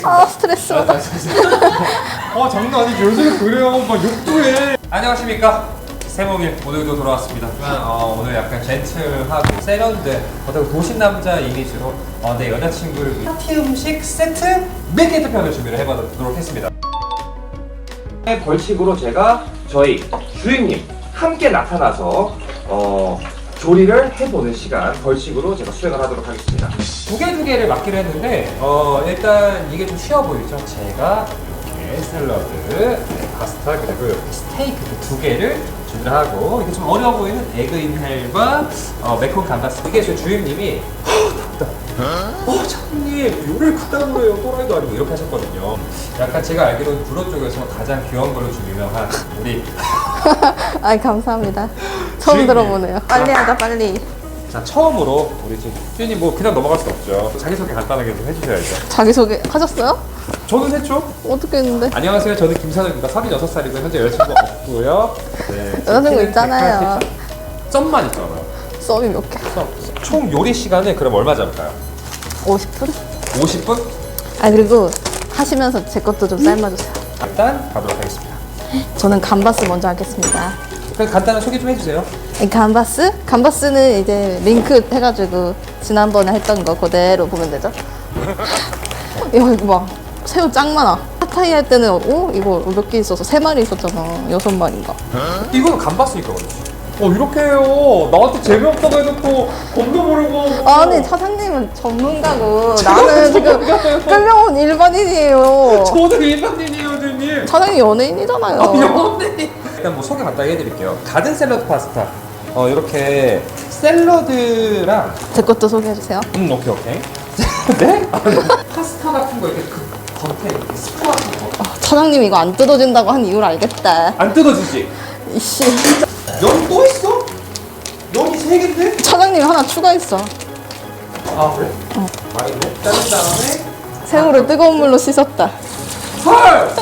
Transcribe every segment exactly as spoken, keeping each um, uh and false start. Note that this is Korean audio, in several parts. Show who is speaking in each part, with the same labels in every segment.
Speaker 1: 아 스트레스 받아.
Speaker 2: 아 장난 아니지. 요즘에 그래요. 막 욕도 해. 안녕하십니까. 세목일 오늘도 돌아왔습니다. 어, 오늘 약간 젠틀하고 세련된 어떤 도시 남자 이미지로 어, 내 여자친구를 위해 파티 음식 세트 밀키트 편을 준비를 해보도록 했습니다.
Speaker 3: 벌칙으로 제가 저희 주임님 함께 나타나서 어, 조리를 해보는 시간 벌칙으로 제가 수행을 하도록 하겠습니다.
Speaker 2: 두 개 두 개를 맡기로 했는데 어, 일단 이게 좀 쉬워 보이죠? 제가 이렇게 샐러드, 네, 파스타 그리고 이렇게 스테이크 두 개를 준비를 하고 이게 좀 어려워 보이는 에그 인헬과 어, 매콤 감바스. 이게 제 주임님이 어, 차장님 요리를 그따구로 해요. 또라이도 아니고 이렇게 하셨거든요. 약간 제가 알기로는 불어 쪽에서 가장 귀여운 걸로 좀 유명한 우리
Speaker 1: 아 감사합니다. 처음
Speaker 2: 주인님.
Speaker 1: 들어보네요. 빨리 하자 빨리.
Speaker 2: 자 처음으로 우리 지금 주인님 뭐 그냥 넘어갈 수 없죠. 자기소개 간단하게 좀 해주셔야죠.
Speaker 1: 자기소개 하셨어요?
Speaker 2: 저는 했죠.
Speaker 1: 어떻게 했는데?
Speaker 2: 안녕하세요. 저는 김선우입니다. 서른여섯 살이고 현재 여자친구 없고요. 네,
Speaker 1: 여자친구 있잖아요.
Speaker 2: 썸만 있잖아요.
Speaker 1: 썸이 몇 개?
Speaker 2: 썸. 총 요리 시간은 그럼 얼마 잡을까요?
Speaker 1: 오십 분?
Speaker 2: 오십 분?
Speaker 1: 아 그리고 하시면서 제 것도 좀 삶아주세요.
Speaker 2: 일단 가도록 하겠습니다.
Speaker 1: 저는 감바스 먼저 하겠습니다.
Speaker 2: 그럼 간단한 소개 좀 해주세요.
Speaker 1: 이 감바스? 감바스는 이제 링크 해가지고 지난번에 했던 거 그대로 보면 되죠. 야 이거 봐 새우 짱 많아. 팟타이 할 때는 어? 이거 몇 개 있어서 세 마리 있었잖아. 여섯 마리인가.
Speaker 2: 이거는 감바스니까 그렇지. 어 이렇게 해요. 나한테 재미없다고 해놓고 겁도 모르고.
Speaker 1: 아니 차장님은 전문가고 나는 지금 끌려온 일반인이에요.
Speaker 2: 저도 일반인이에요, 주님.
Speaker 1: 차장님 연예인이잖아요.
Speaker 2: 연예인. 일단 뭐 소개 간단히 해드릴게요. 가든 샐러드 파스타. 어 이렇게 샐러드랑
Speaker 1: 제 것도 소개해주세요.
Speaker 2: 음 오케이 오케이. 네? 파스타 같은 거 이렇게 그 겉에 이렇게 스프 같은 거.
Speaker 1: 아, 차장님 이거 안 뜯어진다고 한 이유를 알겠다.
Speaker 2: 안 뜯어지지?
Speaker 1: 이씨.
Speaker 2: 연 또 있어? 연이 세 개인데?
Speaker 1: 차장님 하나 추가했어.
Speaker 2: 아 그래? 어. 많이 자른 다음에
Speaker 1: 새우를 뜨거운 물로 씻었다.
Speaker 2: 헐!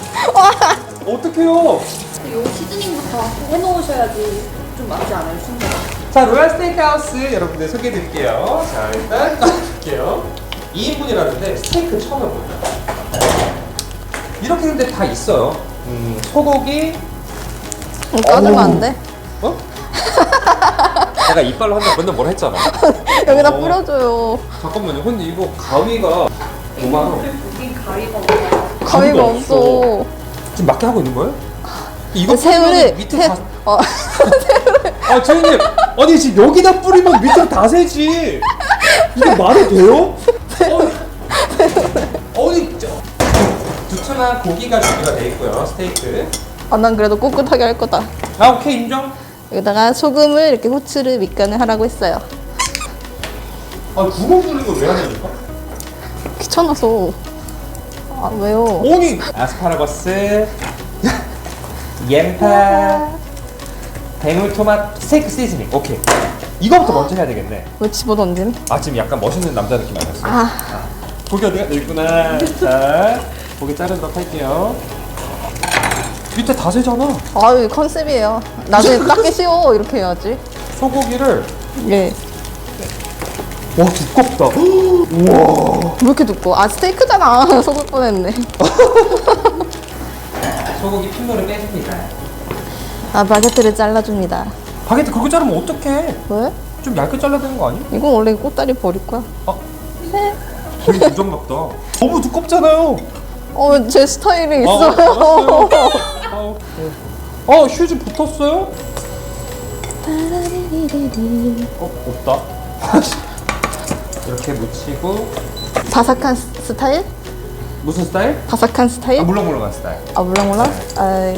Speaker 2: 어떡해요?
Speaker 4: 요 시즈닝부터 해놓으셔야지 좀 맞지 않아요, 순서가?
Speaker 2: 자, 로얄 스테이크하우스 여러분들 소개해드릴게요. 자, 일단 꺼낼게요. 이 인분이라는데 스테이크 처음 해봅니다. 이렇게 근데 다 있어요. 음, 소고기.
Speaker 1: 음, 까주면 안 돼?
Speaker 2: 어? 내가 이빨로 한다 맨날 뭐라 했잖아.
Speaker 1: 여기다
Speaker 2: 어.
Speaker 1: 뿌려줘요.
Speaker 2: 잠깐만요. 근데 이거 가위가 오만 원.
Speaker 4: 여긴 가위가 없어요.
Speaker 1: 가위가 없어.
Speaker 2: 지금 맞게 하고 있는 거예요? 이거
Speaker 1: 새우를
Speaker 2: 뿌리면 밑에
Speaker 1: 새-
Speaker 2: 다.
Speaker 1: 어.
Speaker 2: 아 주인님, 아니 지금 여기다 뿌리면 밑으로 다 새지. 이게 말이 돼요? 어, 어디 두툼한 고기가 준비가 돼 있고요. 스테이크.
Speaker 1: 아, 난 그래도 꿋꿋하게 할 거다.
Speaker 2: 아 오케이 인정.
Speaker 1: 여기다가 소금을 이렇게 후추를 밑간을 하라고 했어요.
Speaker 2: 아 구멍 뚫는 걸 왜 하냐니까?
Speaker 1: 귀찮아서. 아 왜요?
Speaker 2: 오니 아스파라거스, 옌파, 대물토마토, 스테이크 시즈닝. 오케이. 이거부터 먼저 해야 되겠네.
Speaker 1: 왜 집어던짐?
Speaker 2: 아 지금 약간 멋있는 남자 느낌 아니었어?
Speaker 1: 아
Speaker 2: 고기 어디가 있구나. 자, 고기 자르도록 할게요. 밑에 다 새잖아.
Speaker 1: 아유 컨셉이에요. 나중에 닦기 쉬워 이렇게 해야지.
Speaker 2: 소고기를.
Speaker 1: 예.
Speaker 2: 와 두껍다. 우와.
Speaker 1: 왜 이렇게 두꺼워? 아 스테이크잖아. 속을 뻔했네.
Speaker 2: 소고기 핏물을 빼줍니다.
Speaker 1: 아 바게트를 잘라줍니다.
Speaker 2: 바게트 그렇게 자르면 어떡해?
Speaker 1: 왜?
Speaker 2: 좀 얇게 잘라야 되는 거 아니야?
Speaker 1: 이건 원래 꽃다리 버릴 거야.
Speaker 2: 아, 되게 부정답다. 너무 두껍잖아요.
Speaker 1: 어 제 스타일이
Speaker 2: 아,
Speaker 1: 있어요.
Speaker 2: 알았어요. 아, 오케이. 어, 휴지 붙었어요? 어, 없다. 이렇게 묻히고.
Speaker 1: 바삭한 스- 스타일?
Speaker 2: 무슨 스타일?
Speaker 1: 바삭한 스타일?
Speaker 2: 아, 물렁물렁한 스타일.
Speaker 1: 아 물렁물렁? 아이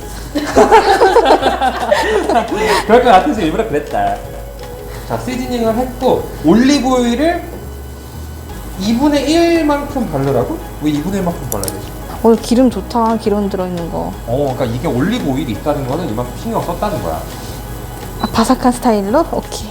Speaker 2: 그럴 것 같아서 일부러 그랬다. 자, 시즈닝을 했고, 올리브오일을 이분의 일만큼 바르라고? 왜 이분의 일만큼 발라야 되지?
Speaker 1: 오늘 기름 좋다. 기름 들어있는 거.
Speaker 2: 어, 그러니까 이게 올리브오일이 있다는 거는 이만큼 신경 썼다는 거야.
Speaker 1: 아 바삭한 스타일로? 오케이.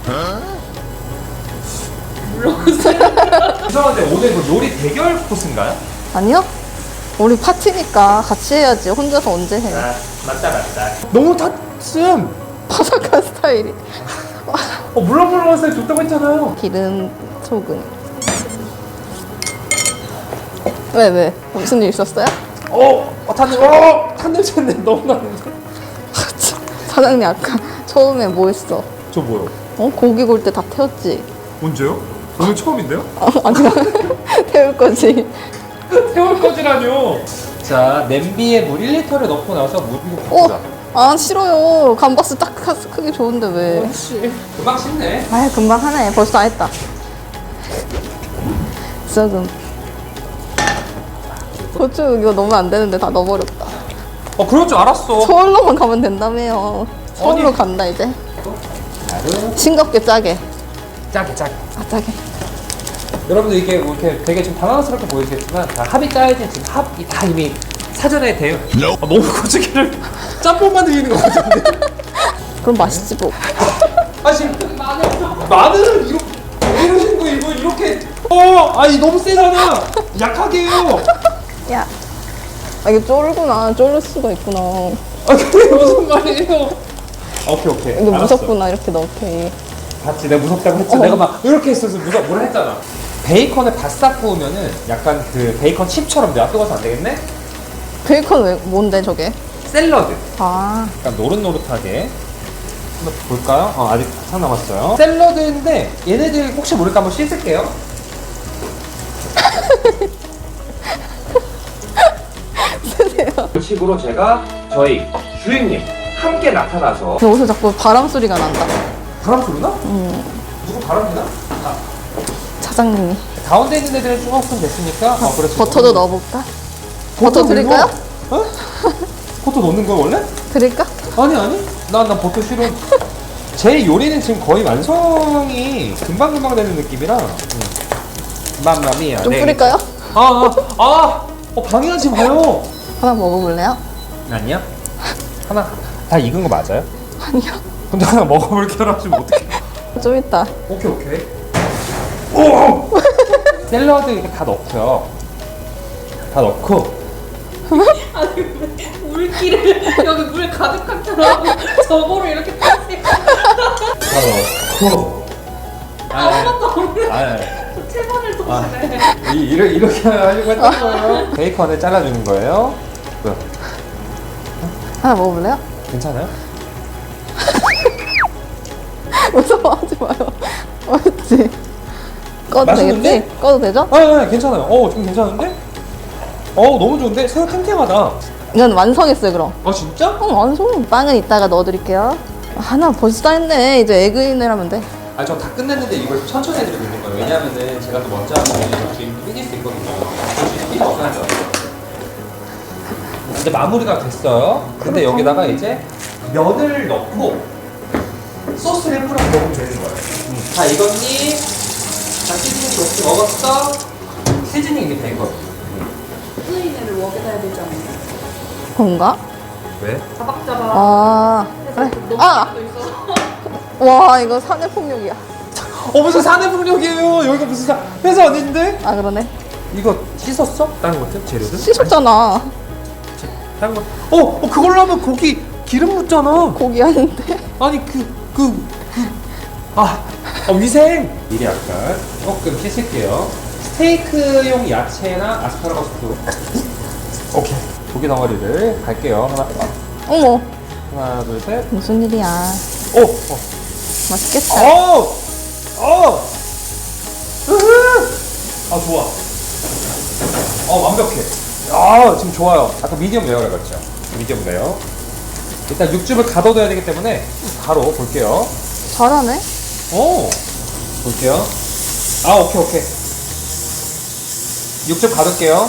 Speaker 2: 죄송한데 오늘 그 요리 대결 코스인가요?
Speaker 1: 아니요? 우리 파티니까 같이 해야지. 혼자서 언제 해?
Speaker 2: 아, 맞다 맞다. 너무 탔음.
Speaker 1: 바삭한 스타일이.
Speaker 2: 어, 물렁물렁한 스타일 좋다고 했잖아요.
Speaker 1: 기름, 소금. 왜 왜? 무슨 일 있었어요?
Speaker 2: 어, 어 탄, 어, 탄 냄새인데 너무 나는데.
Speaker 1: 사장님 아까 처음에 뭐 했어?
Speaker 2: 저 뭐요?
Speaker 1: 어? 고기 구울 때 다 태웠지?
Speaker 2: 언제요? 오늘 처음인데요?
Speaker 1: 어, 아니야. 태울 거지.
Speaker 2: 태울 거지라뇨. 자, 냄비에 물 일 리터를 넣고 나서 물 이거 바꾸자.
Speaker 1: 어? 아 싫어요. 감바스 딱 크- 크기 좋은데 왜?
Speaker 2: 씨, 금방 씻네.
Speaker 1: 아 금방 하네. 벌써 다 했다. 썩음. 고추 이거 넣으면 안 되는데 다 넣어버렸다.
Speaker 2: 어, 그럴 줄 알았어.
Speaker 1: 서울로만 가면 된다며요. 서울로
Speaker 2: 어디?
Speaker 1: 간다 이제.
Speaker 2: 나를
Speaker 1: 싱겁게 짜게.
Speaker 2: 짜게 짜게.
Speaker 1: 아 짜게.
Speaker 2: 여러분들 이게 뭐 이렇게 되게 좀 당황스럽게 보이시겠지만 다 합이 짜야지 지금 합이 다 이미 사전에 돼요. 아, 너무 고추기를 짬뽕만 드리는 것 같은데.
Speaker 1: 그럼 맛있지 뭐.
Speaker 2: 아 지금 마늘을 이렇게 왜 이러신 거예요? 이거 이렇게 어 아니 너무 세잖아. 약하게 해요.
Speaker 1: 야. 아 이거 쫄구나. 쫄을 수가 있구나.
Speaker 2: 아 그게 무슨 말이에요? 오케이 오케이.
Speaker 1: 이거
Speaker 2: 알았어.
Speaker 1: 무섭구나 이렇게 넣기.
Speaker 2: 봤지 내가 무섭다고 했지.
Speaker 1: 어.
Speaker 2: 내가 막 이렇게 했어서 무섭 뭐라 했잖아. 베이컨을 바싹 구우면은 약간 그 베이컨 칩처럼 내가 뜨거워서 안 되겠네?
Speaker 1: 베이컨 왜 뭔데 저게?
Speaker 2: 샐러드.
Speaker 1: 아
Speaker 2: 약간 노릇노릇하게 한번 볼까요? 어, 아직 한참 남았어요. 샐러드인데 얘네들 혹시 모르니까 한번 씻을게요.
Speaker 3: 식으로 제가 저희 주임님 함께 나타나서
Speaker 1: 여기서 자꾸 바람 소리가 난다.
Speaker 2: 바람 소리나? 누구 바람 나? 아,
Speaker 1: 사장님이.
Speaker 2: 가운데 있는 애들은 조금 됐으니까 어, 그렇지.
Speaker 1: 버터도 넣어볼까? 버터 드릴까요?
Speaker 2: 어? 버터 넣는 거야 원래?
Speaker 1: 드릴까?
Speaker 2: 아니 아니. 난 난 버터 싫어. 제 요리는 지금 거의 완성이 금방금방 되는 느낌이라. 음. 맘마미야.
Speaker 1: 좀
Speaker 2: 네.
Speaker 1: 뿌릴까요?
Speaker 2: 아, 아, 아, 어, 방해하지 마요.
Speaker 1: 하나 먹어볼래요?
Speaker 2: 아니요. 하나 다 익은 거 맞아요?
Speaker 1: 아니요.
Speaker 2: 근데 하나 먹어볼게요 하시면 어떡해.
Speaker 1: 좀 이따.
Speaker 2: 오케이 오케이. 오! 샐러드 이렇게 다 넣고요. 다 넣고
Speaker 4: 아니 왜 물기를 여기 물 가득한 처럼 저거를 이렇게 타세요.
Speaker 2: 다 넣고.
Speaker 4: 아무것도 없는
Speaker 2: 아,
Speaker 4: 채반을 도시네.
Speaker 2: 이 이렇게 이렇게 하려고 했던 거예요. 베이컨을 잘라주는 거예요. 뭐야?
Speaker 1: 하나 먹어볼래요?
Speaker 2: 괜찮아요?
Speaker 1: 무서워하지 마요. 맞지? 꺼도
Speaker 2: 맛있는데?
Speaker 1: 되겠지? 꺼도 되죠?
Speaker 2: 아, 네, 괜찮아요. 어, 좀 괜찮은데? 어, 너무 좋은데? 새우 탱탱하다.
Speaker 1: 이건 완성했어요 그럼.
Speaker 2: 아, 진짜?
Speaker 1: 어 완성. 빵은 이따가 넣어드릴게요. 하나 벌써 다 했네. 이제 에그인을 하면 돼.
Speaker 2: 아, 저 다 끝냈는데 이걸 좀 천천히 해드리고 있는 거예요. 왜냐면은 제가 또 먼저 하면 주임 삐질 수 있거든요. 주임 삐질 없어야죠. 이제 마무리가 됐어요. 근데 여기다가 이제 면을 넣고 소스를 뿌려 먹으면 되는 거예요. 음. 자, 익었니? 자, 시즈닝 좋게 먹었어? 시즈닝 이게 된 거예요.
Speaker 4: 스인을 먹여야 되지 않나요?
Speaker 1: 그런가?
Speaker 2: 왜?
Speaker 4: 자박자박
Speaker 1: 아
Speaker 4: 해서
Speaker 1: 그래.
Speaker 4: 너무
Speaker 1: 아!
Speaker 4: 도 있어서
Speaker 1: 와 이거 사내폭력이야.
Speaker 2: 어, 무슨 사내폭력이에요? 여기가 무슨 사, 회사 아닌데?
Speaker 1: 아 그러네.
Speaker 2: 이거 씻었어? 다른 것들? 재료들?
Speaker 1: 씻었잖아.
Speaker 2: 다른 것? 어, 어, 그걸로 하면 고기 기름 묻잖아.
Speaker 1: 고기 하는데.
Speaker 2: 아니 그 그 그 아, 아 위생 미리 약간 조금 씻을게요. 스테이크용 야채나 아스파라거스도 오케이 고기 덩어리를 갈게요. 하나
Speaker 1: 어머
Speaker 2: 하나 둘 셋.
Speaker 1: 무슨 일이야.
Speaker 2: 오, 어,
Speaker 1: 맛있겠다.
Speaker 2: 어, 어, 으흐. 아 좋아. 어 완벽해. 아 지금 좋아요. 아까 미디엄 레어라 그랬죠. 미디엄 레어. 일단 육즙을 가둬둬야 되기 때문에 바로 볼게요.
Speaker 1: 잘하네.
Speaker 2: 오, 볼게요. 아, 오케이, 오케이. 육즙 가둘게요.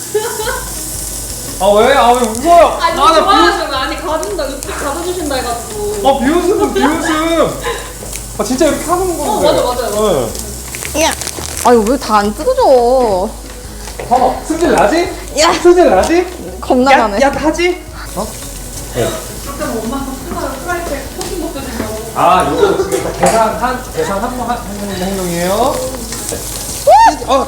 Speaker 2: 아, 왜? 아, 왜 웃어요?
Speaker 4: 아니
Speaker 2: 나 비웃,
Speaker 4: 좋아하시면 아니 가진다 이렇게 가져주신다 해가지고
Speaker 2: 아, 비웃음, 비웃음. 아, 진짜 이렇게 하는 건데.
Speaker 4: 어, 맞아, 맞아요, 맞아요.
Speaker 2: 네.
Speaker 1: 야. 아유 왜 다 안 뜯어져.
Speaker 2: 봐봐, 승질 나지?
Speaker 1: 야.
Speaker 2: 승질 나지?
Speaker 1: 겁나
Speaker 2: 야,
Speaker 1: 나네.
Speaker 2: 야, 하지? 어? 네.
Speaker 4: 그때 엄마가 수다를 프라이팬 코팅 못 드신다고
Speaker 2: 아, 요거 지금 다 계산한, 계산한 번 하는 행동이에요. 네. 어.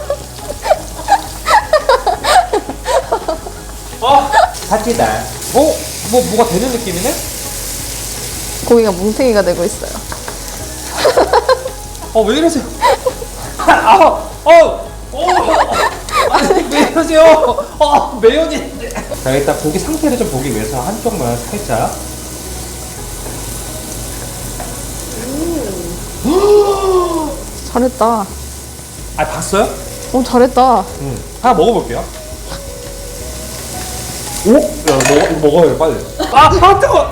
Speaker 2: 어, 다치다. 어? 뭐, 뭐가 되는 느낌이네?
Speaker 1: 고기가 뭉탱이가 되고 있어요.
Speaker 2: 어, 왜 이러세요? 아, 어, 어, 어. 아니, 왜 왜 이러세요? 어, 매연이. 자, 일단 고기 상태를 좀 보기 위해서 한쪽만 살짝.
Speaker 1: 잘했다.
Speaker 2: 아, 봤어요?
Speaker 1: 오, 잘했다.
Speaker 2: 응. 하나 먹어볼게요. 오? 야, 먹어, 이거 먹어요, 빨리. 아, 아, 뜨거!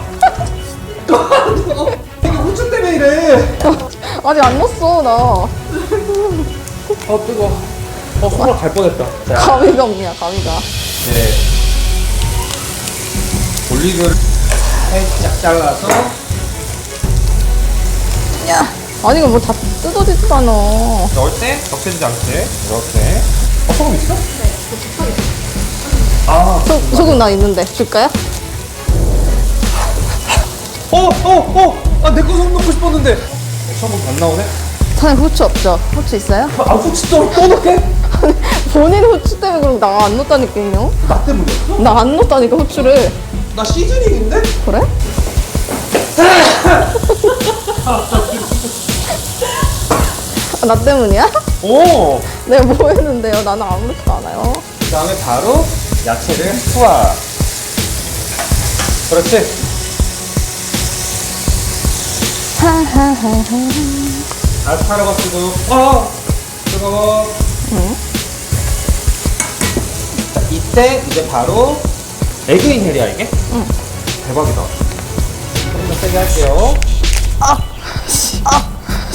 Speaker 2: 이게 후추 때문에 이래.
Speaker 1: 아직 안 넣었어, 나.
Speaker 2: 아, 뜨거. 어, 손으로 갈 뻔했다. 자,
Speaker 1: 가위가 없냐, 가위가.
Speaker 2: 네. 올리브를 살짝 잘라서.
Speaker 1: 야. 아니, 이거 뭐 다 뜯어지잖아.
Speaker 2: 넣을 때 덮여지지 않게 이렇게. 어, 소금 있어? 네, 아,
Speaker 1: 소, 소금 나 있는데. 줄까요?
Speaker 2: 어, 어, 어! 아, 내 거 소금 넣고 싶었는데. 소금 안 나오네?
Speaker 1: 사장님 후추 없죠? 후추 있어요?
Speaker 2: 아, 후추 또, 또 넣게?
Speaker 1: 본인 후추 때문에 그럼 나 안 넣었다니까요?
Speaker 2: 나 때문이었어?
Speaker 1: 나 안 넣었다니까, 후추를.
Speaker 2: 나 시즈닝인데?
Speaker 1: 그래? 아, 나 때문이야?
Speaker 2: 오!
Speaker 1: 내가 뭐 했는데요? 나는 아무렇지도 않아요.
Speaker 2: 그 다음에 바로 야채를 투하. 그렇지. 아스파라거스도 어 뜨거워.
Speaker 1: 응?
Speaker 2: 자, 이때 이제 바로 에그인 헬이야 이게?
Speaker 1: 응.
Speaker 2: 대박이다. 조금 더 세게 할게요.
Speaker 1: 아! 씨, 아!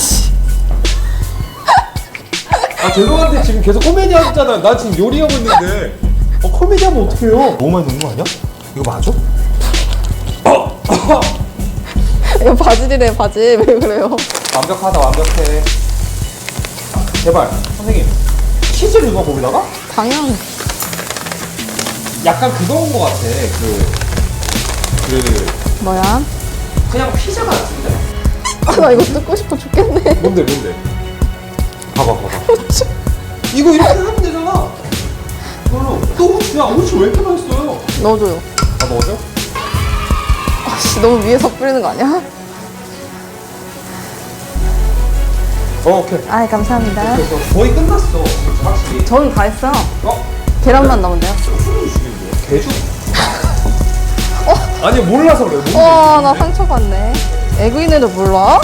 Speaker 2: 아 죄송한데 지금 계속 코미디 하잖아. 나 지금 요리하고 있는데. 어 코미디 하면 어떡해요? 너무 많이 넣는 거 아니야? 이거 맞아?
Speaker 1: 이거 바질이래, 바질. 왜 그래요?
Speaker 2: 완벽하다 완벽해. 제발 선생님 치즈를 넣어 거기다가?
Speaker 1: 당연.
Speaker 2: 약간 그거인 것 같아. 그, 그,
Speaker 1: 뭐야?
Speaker 2: 그냥 피자 같은데?
Speaker 1: 아, 나 이거 뜯고 싶어 죽겠네.
Speaker 2: 뭔데, 뭔데? 봐봐, 봐봐.
Speaker 1: 후추.
Speaker 2: 이거 이렇게 하면 되잖아. 이걸로. 또 후추야. 후추 왜 이렇게 맛있어요?
Speaker 1: 넣어줘요.
Speaker 2: 아, 넣어줘?
Speaker 1: 아씨, 너무 위에서 뿌리는 거 아니야?
Speaker 2: 어, 오케이.
Speaker 1: 아이, 감사합니다.
Speaker 2: 그래서 거의 끝났어. 확실히.
Speaker 1: 저는 다 했어요.
Speaker 2: 어?
Speaker 1: 계란만 넣으면 돼요.
Speaker 2: 술을 주긴 뭐야? 개주? 아니, 몰라서 그래. 뭔데?
Speaker 1: 와, 나 상처받네. 에그인에도 몰라?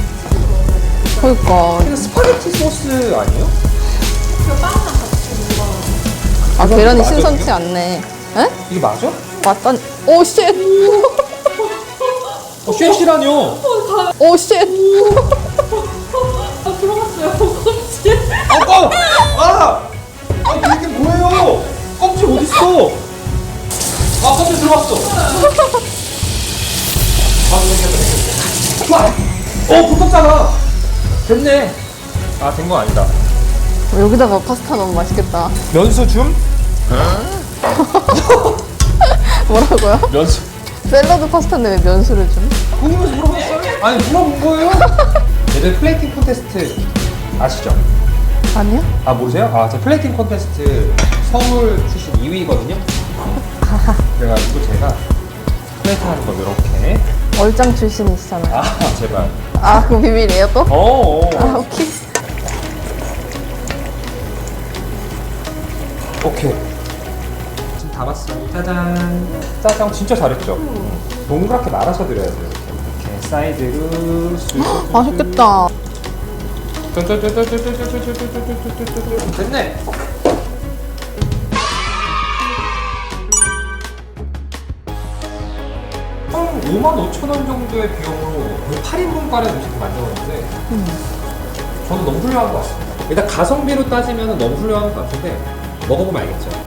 Speaker 1: 그니까.
Speaker 2: 그냥 스파게티 소스 아니에요?
Speaker 1: 아,
Speaker 2: 그거
Speaker 1: 계란이
Speaker 2: 맞아,
Speaker 1: 신선치
Speaker 2: 지금?
Speaker 1: 않네. 에?
Speaker 2: 이게 맞아?
Speaker 1: 맞다니. 오, 쉣!
Speaker 2: 어, 쉐시라뇨?
Speaker 1: 오, 쉣!
Speaker 4: 아 들어갔어요. 껍질.
Speaker 2: 아, 아! 아! 아, 이게 뭐예요? 껍질 어딨어? 아, 껍질 들어갔어. 아, 됐겠다, 됐겠다. 어, 붙었잖아. 됐네. 아, 된 거 아니다.
Speaker 1: 여기다가 파스타 넣으면 맛있겠다.
Speaker 2: 면수 줌?
Speaker 1: 뭐라고요?
Speaker 2: 면수.
Speaker 1: 샐러드 파스타인데 왜 면수를 좀?
Speaker 2: 궁금해서 물어봤어요? 아니, 물어본 거예요. 얘들 플레이팅 콘테스트 아시죠?
Speaker 1: 아니요?
Speaker 2: 아, 모르세요? 아, 제 플레이팅 콘테스트 서울 출신 이 위거든요. 그래가지고 제가 플레이팅 하는 거 이렇게.
Speaker 1: 얼짱 출신이시잖아요.
Speaker 2: 아, 제발.
Speaker 1: 아, 그거 비밀이에요 또?
Speaker 2: 어,
Speaker 1: 아,
Speaker 2: 어.
Speaker 1: 오케이.
Speaker 2: 오케이. 지금 다 봤어요. 짜잔. 짜장 진짜 잘했죠? 동그랗게 말아서 드려야 돼요. 이렇게, 이렇게 사이드로 쑥.
Speaker 1: 맛있겠다.
Speaker 2: 됐네. 한 오만 오천 원 정도의 비용으로 거의 팔 인분가량 음식을 만들었는데 저는 너무 훌륭한 것 같습니다. 일단 가성비로 따지면 너무 훌륭한 것 같은데 먹어보면 알겠죠.